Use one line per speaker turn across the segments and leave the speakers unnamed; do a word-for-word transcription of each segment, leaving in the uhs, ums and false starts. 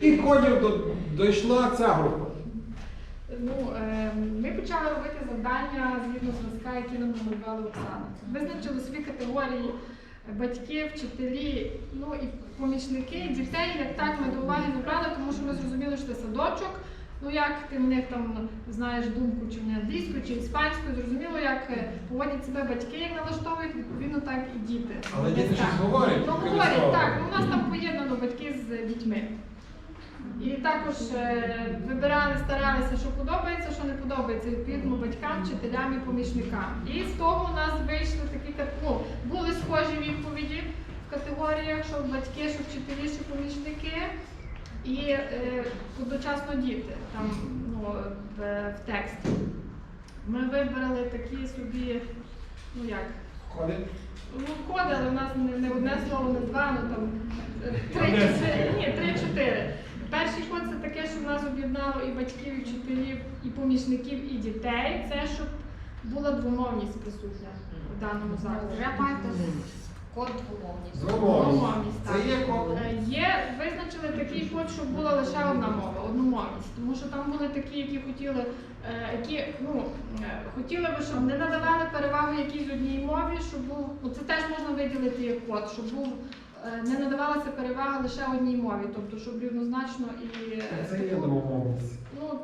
Яких кодів до, дійшла ця група?
Ну, е, ми почали робити завдання згідно зразка, які нам намалювала Оксана. Визначили свої категорії батьки, вчителі, ну і помічники, дітей, як так ми до уваги не брали, тому що ми зрозуміли, що це садочок. Ну як ти в них там знаєш думку, чи вони англійською, чи іспанською, зрозуміло, як поводять себе батьки, як налаштовують, відповідно так і діти.
Але діти
так.
щось говорять.
Ну говорять, так, ну, у нас там поєднано батьки з дітьми. І також е, вибирали, старалися, що подобається, що не подобається, відповідно батькам, вчителям і помічникам. І з того у нас вийшли такі, ну, були схожі відповіді в категоріях, що батьки, що вчителі, що помічники. І е, одночасно діти там, ну, в, в тексті. Ми вибрали такі собі, ну як?
Коди?
Ну, коди, але у нас не, не одне слово, не два, ну там три-чотири. Ні, три-чотири. Перший код це таке, що в нас об'єднало і батьків, і вчителів, і помічників, і дітей. Це щоб була двомовність присутня в даному закладі.
Вже маєте код двомовність.
Двомовність. Це є код?
Є, визначили такий код, щоб була лише одна мова, одномовність. Тому що там були такі, які хотіли, які, ну, хотіли би, щоб не надавали перевагу якійсь одній мові, щоб був, ну, це теж можна виділити як код, щоб був, не надавалася перевага лише одній мові, тобто, щоб рівнозначно і...
Це є двомовність.
Ну,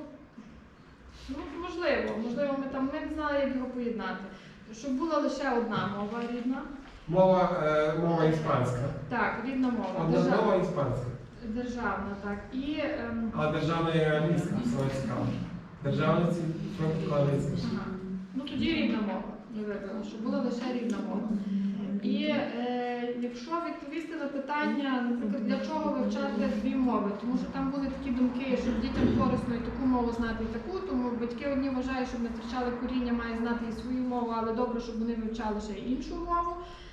ну, можливо, можливо, ми там ми не знали, як його поєднати. Щоб була лише одна мова рідна.
Мова, е, мова іспанська.
Так, рідна мова.
Одна
Державна.
мова іспанська.
Державна, так. І, ем...
А державна є англійська, саме цікаво. Державна ці англійська.
ага. Ну тоді рідна мова. Ми вибрали, щоб була лише рідна мова. І е, якщо відповісти на питання, наприклад, для чого вивчати дві мови, тому що там були такі думки, щоб дітям корисно і таку мову знати, і таку, тому батьки одні вважають, щоб не втрачали коріння, мають знати і свою мову, але добре, щоб вони вивчали ще й іншу мову.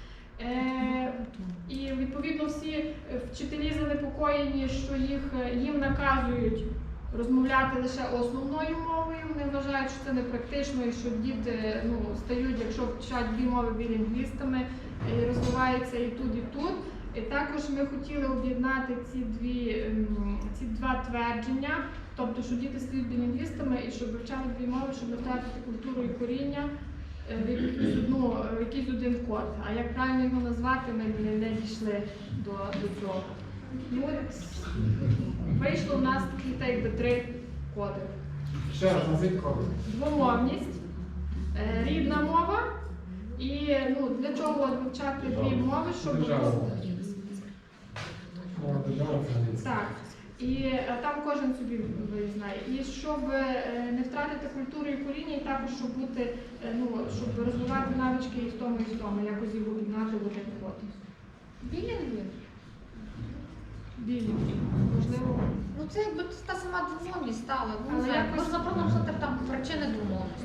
Е, і відповідно всі вчителі занепокоєні, що їх, їм наказують розмовляти лише основною мовою, вони вважають, що це непрактично і що діти, ну, стають, якщо вчать дві мови білінгвістами, і розвиваються і тут, і тут. І також ми хотіли об'єднати ці, дві, ці два твердження, тобто, що діти стають білінгвістами і щоб вивчали дві мови, щоб не втратити культуру і коріння в якийсь, ну, в якийсь один код. А як правильно його назвати, ми не, не дійшли до, до цього. Ну, вийшло у нас такі, так якби, три коди.
Ще раз, назвіть коди.
Двомовність, рідна мова і, ну, для чого вивчати дві мови, щоб...
Державна. Мова державна це англійська.
Так. І а, там кожен собі знає. І щоб е, не втратити культуру і коріння, і також щоб бути, е, ну, щоб розвивати навички і в тому, і в тому, якось їх об'єднати в один код.
Білінгві?
Білінгві. Можливо.
Ну це якби та сама двомовність стала. Ну,
Але
не знаю,
якось-
можна просто написати там причини двомовності.